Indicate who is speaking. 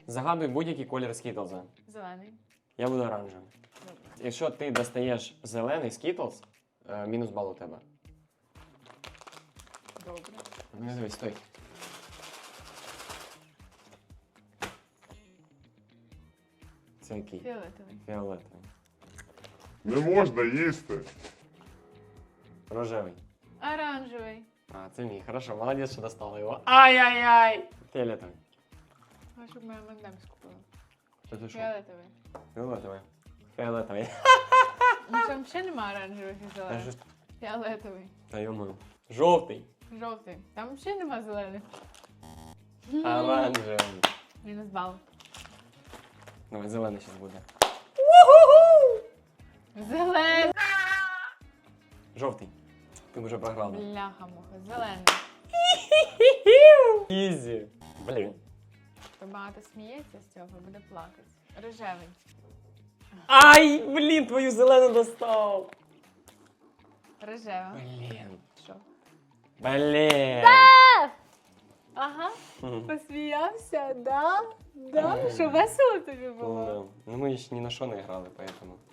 Speaker 1: Загадуй будь-який колір скітлза.
Speaker 2: Зелений.
Speaker 1: Я буду оранжевим.
Speaker 2: Добре.
Speaker 1: Якщо ти достаєш зелений скітлз, мінус бал у тебе.
Speaker 2: Добре.
Speaker 1: Не дивись, стой. Це який?
Speaker 2: Фіолетовий.
Speaker 1: Фіолетовий.
Speaker 3: Не можна їсти.
Speaker 1: Рожевий.
Speaker 2: Оранжевий.
Speaker 1: А, це мій. Хорошо, молодець, що достала його. Ай-яй-яй! Фіолетовий.
Speaker 2: А щоб моя мандем скупила.
Speaker 1: Це ти що?
Speaker 2: Фіолетовий.
Speaker 1: Фіолетовий. Фіолетовий.
Speaker 2: Ну там ще нема оранжевих і
Speaker 1: Та
Speaker 2: зелених.
Speaker 1: щось-
Speaker 2: Фіолетовий.
Speaker 1: Та йому. Жовтий.
Speaker 2: Жовтий. Там ще нема зелених.
Speaker 1: Оранжевий.
Speaker 2: Мінус бал.
Speaker 1: Давай, зелений зараз буде.
Speaker 2: Зелений.
Speaker 1: Жовтий. Ти вже програла.
Speaker 2: Бляха-муха. Зелений.
Speaker 1: Ізі. Блін.
Speaker 2: Хто багато сміється з цього, буде плакати. Рожевий.
Speaker 1: Ай, блін, твою зелену достав.
Speaker 2: Рожева.
Speaker 1: Блін.
Speaker 2: Що?
Speaker 1: Блін.
Speaker 2: Ага. Посміявся, да? Да? Що весело тобі було?
Speaker 1: Ну, ми ж ні на що не грали, поэтому.